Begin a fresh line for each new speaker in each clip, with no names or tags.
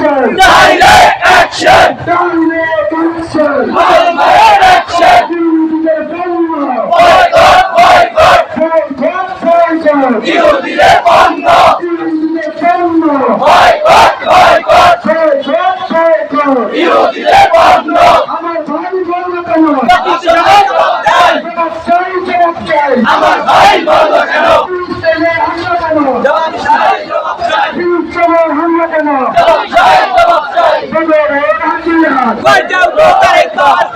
action!
Direct action!
Direct action!
Direct action!
বিরোধীদের বন্ধ!
Boycott! Boycott!
Boycott, boycott!
বিরোধীদের বন্ধ!
বিরোধীদের বন্ধ!
Boycott! Boycott!
Boycott, boycott!
বিরোধীদের বন্ধ!
আমার ভাই বলল কেন?
জবাব চাই!
জবাব চাই, জবাব চাই!
আমার ভাই বলল কেন?
ফিলিস্তিনে হামলা কেন?
জবাব চাই! জবাব চাই!
ফিলিস্তিনে হামলা কেন?
জবাব চাই! জবাব চাই!
বদরের হাতিয়ার!
বাঁচাও গো আরেকবার!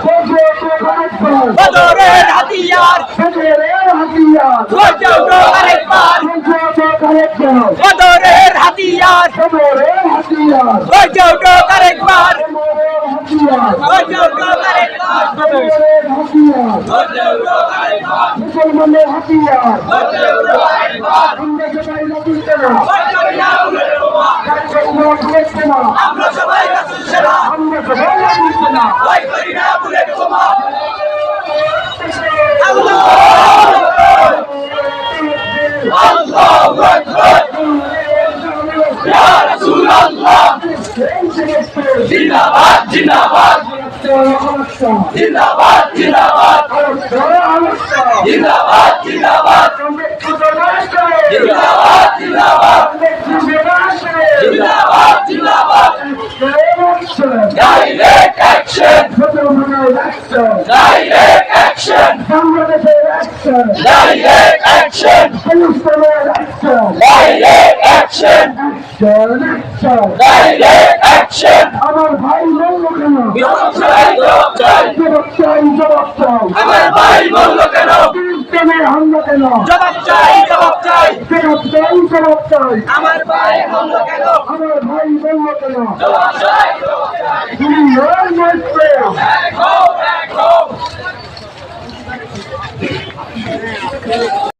বদরের হাতিয়ার!
বদরের হাতিয়ার!
বাঁচাও গো আরেকবার! বদরের হাতিয়ার!
বদরের হাতিয়ার!
বাঁচাও গো আরেকবার!
বদরের হাতিয়ার!
বাঁচাও গো আরেকবার!
বদরের হাতিয়ার!
বাঁচাও গো আরেকবার!
মুসলমানের হাতিয়ার!
বাঁচাও গো আরেকবার!
আমরা সবাই রাখতে না!
বাঁচাও না উলের বোমা!
রাখতে না!
আমরা সবাই রাসূল সেনা!
আমরা সবাই রাখতে না!
ভয় করি না উলের বোমা! আল্লাহু আকবার! ইয়া রাসূলুল্লাহ! জিন্দাবাদ! জিন্দাবাদ! জিন্দাবাদ! জিন্দাবাদ! জিন্দাবাদ! জিন্দাবাদ! জিন্দাবাদ! জিন্দাবাদ! জিন্দাবাদ! জিন্দাবাদ! Direct action! Direct action!
বাংলাদেশের অ্যাকশন!
Direct action!
ফিলিস্তিনের action!
Direct action!
Action! Action!
Direct action!
আমার ভাই বলল কেন?
জবাব চাই! জবাব চাই!
জবাব চাই, জবাব চাই!
আমার ভাই বলল কেন?
ফিলিস্তিনের হামলা কেন?
জবাব চাই! জবাব চাই!
জবাব চাই, জবাব চাই!
আমার ভাই বলল কেন?
আমার ভাই বলল কেন?
জবাব চাই! জবাব চাই!
তিনি নয় মুসলিম!
এক হও! এক হও!